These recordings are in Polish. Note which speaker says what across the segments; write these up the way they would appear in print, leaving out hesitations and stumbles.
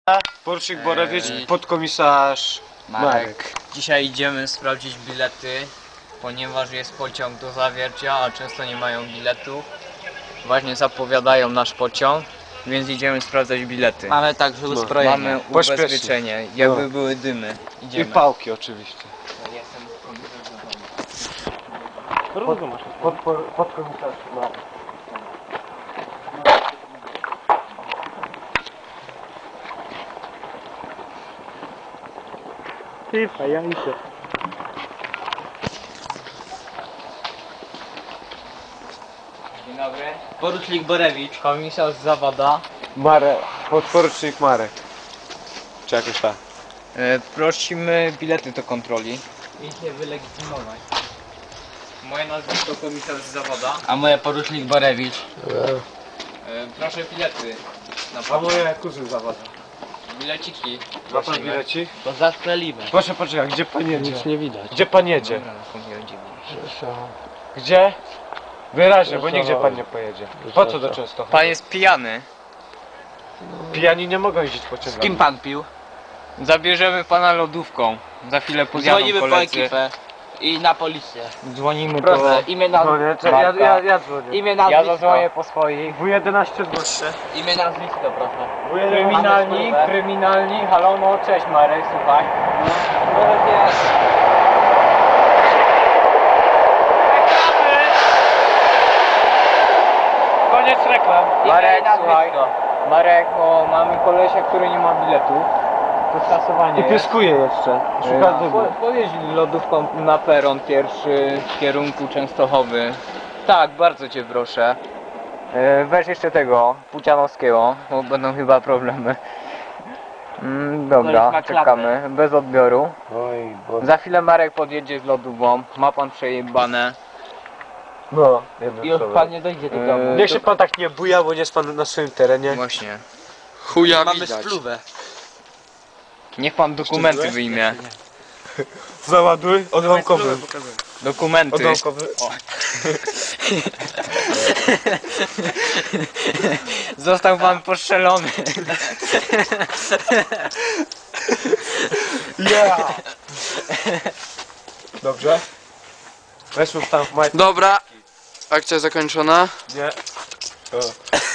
Speaker 1: Porucznik Borewicz, podkomisarz Marek.
Speaker 2: Dzisiaj idziemy sprawdzić bilety, ponieważ jest pociąg do Zawiercia, a często nie mają biletów. Właśnie zapowiadają nasz pociąg, więc idziemy sprawdzać bilety.
Speaker 3: Mamy także uzbrojenie.
Speaker 2: Mamy ubezpieczenie, jakby były dymy.
Speaker 1: I pałki oczywiście. Podkomisarz Marek.
Speaker 3: Ja idę.
Speaker 2: Dzień dobry.
Speaker 3: Porucznik Borewicz.
Speaker 2: Komisarz Zawada.
Speaker 1: Marek, podporucznik Marek. Czy jakoś tak?
Speaker 2: Prosimy bilety do kontroli. I się wylegitymować. Moje nazwisko komisarz Zawada.
Speaker 3: A moje porucznik Borewicz.
Speaker 2: Proszę bilety. Na
Speaker 1: A
Speaker 2: pociąg.
Speaker 1: moje kuzyn zawada.
Speaker 2: Bileciki.
Speaker 1: Ma pan
Speaker 2: Prosimy.
Speaker 1: bilecik?
Speaker 3: To zastrzelimy.
Speaker 1: Proszę poczekaj, gdzie pan jedzie?
Speaker 3: Nic nie widać.
Speaker 1: Gdzie pan jedzie?
Speaker 2: Dobra, pomyliłem dziewięć.
Speaker 1: Gdzie? Wyraźnie, bo nigdzie pan nie pojedzie. Po co do Częstochowy?
Speaker 2: Pan jest pijany.
Speaker 1: Pijani nie mogą jeździć pociągami.
Speaker 3: Z kim pan pił?
Speaker 2: Zabierzemy pana lodówką. Za chwilę podjadą
Speaker 3: Dzwonimy po
Speaker 2: koledzy.
Speaker 3: ekipę. I na policję.
Speaker 2: Dzwonimy
Speaker 3: Proszę,
Speaker 2: po...
Speaker 3: imię,
Speaker 1: No
Speaker 3: nazwisko.
Speaker 1: nie, ja dzwonię.
Speaker 3: Imię,
Speaker 2: Ja
Speaker 3: nazwisko.
Speaker 2: zadzwonię po swoich.
Speaker 1: W11 proszę.
Speaker 3: Imię, nazwisko, proszę.
Speaker 2: Kryminalni, halo, no cześć Marek, słuchaj.
Speaker 1: Koniec reklam.
Speaker 2: Marek,
Speaker 3: Imię i
Speaker 2: słuchaj.
Speaker 3: nazwisko.
Speaker 2: Marek, o, mamy kolesia, który nie ma biletu. To skasowanie
Speaker 1: I
Speaker 2: jest.
Speaker 1: pieskuje jeszcze. Szuka dymu.
Speaker 2: Pojedź lodówką na peron pierwszy w kierunku Częstochowy. Tak, bardzo cię proszę. Weź jeszcze tego, Pucianowskiego, bo będą chyba problemy. Dobra,
Speaker 3: Koleś ma klapę.
Speaker 2: czekamy, bez odbioru.
Speaker 1: Oj, bo...
Speaker 2: Za chwilę Marek podjedzie z lodówką, ma pan przejebane.
Speaker 1: No,
Speaker 3: Już pan nie dojdzie do domu.
Speaker 1: Niech się pan tak nie buja, bo nie jest pan na swoim terenie.
Speaker 2: Właśnie.
Speaker 4: Chuja
Speaker 3: Mamy
Speaker 4: widać.
Speaker 3: spluwę.
Speaker 2: Niech pan dokumenty wyjmie.
Speaker 1: Załaduj, odłamkowy.
Speaker 2: Dokumenty.
Speaker 1: Odłamkowy.
Speaker 2: Został pan postrzelony.
Speaker 1: Yeah! Dobrze? Weźmy tam w majtki.
Speaker 4: Dobra, akcja zakończona.
Speaker 1: Nie. O.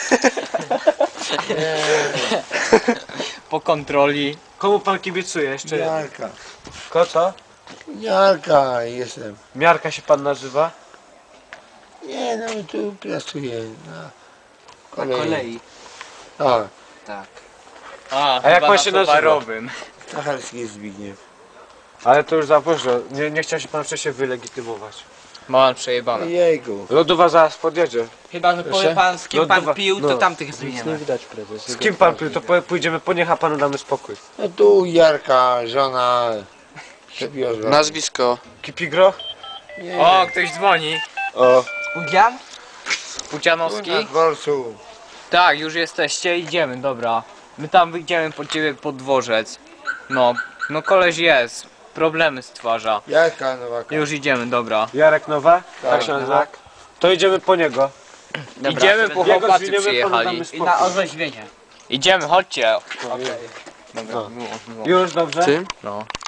Speaker 2: Po kontroli.
Speaker 1: Komu pan kibicuje jeszcze?
Speaker 5: Miarka.
Speaker 1: Co?
Speaker 5: Miarka jestem.
Speaker 1: Miarka się pan nazywa?
Speaker 5: Nie, no tu pracuję na
Speaker 3: Na kolei.
Speaker 5: Tak,
Speaker 3: Tak.
Speaker 1: A jak
Speaker 2: chyba
Speaker 1: pan
Speaker 2: na
Speaker 1: się nazywa?
Speaker 2: towarowym.
Speaker 5: Stacharski Zbigniew.
Speaker 1: Ale to już za późno. Nie chciał się pan wcześniej wylegitymować.
Speaker 2: Ma pan przejebane.
Speaker 5: Jejku.
Speaker 1: Lodowa zaraz podjedzie.
Speaker 3: Chyba, że powie pan z kim pan
Speaker 1: Lodowa-
Speaker 3: pił, to
Speaker 1: no.
Speaker 3: tamtych zmieniamy.
Speaker 1: Z kim pan pił? To pójdziemy po nich, a panu damy spokój.
Speaker 5: No tu Jarka, żona się wiozła.
Speaker 4: Nazwisko.
Speaker 1: Kipigro?
Speaker 5: Nie,
Speaker 2: O, ktoś dzwoni.
Speaker 1: O.
Speaker 3: Pudzian?
Speaker 2: Pucianowski?
Speaker 5: na dworcu.
Speaker 2: Tak, już jesteście, idziemy, dobra. My tam wyjdziemy po ciebie pod dworzec. No koleś jest. Problemy stwarza.
Speaker 5: Jarka Nowaka.
Speaker 2: Już idziemy, dobra.
Speaker 1: Jarek Nowa? Tak się nazywa? To idziemy po niego.
Speaker 2: Idziemy, po
Speaker 1: Jego
Speaker 2: chłopacy
Speaker 1: zwiniemy, panu
Speaker 2: przyjechali.
Speaker 1: damy
Speaker 3: I
Speaker 1: spokój.
Speaker 3: na orzeźwienie.
Speaker 2: Idziemy, chodźcie.
Speaker 1: No.
Speaker 2: Dobra,
Speaker 1: Już dobrze?
Speaker 4: Ty?
Speaker 2: No.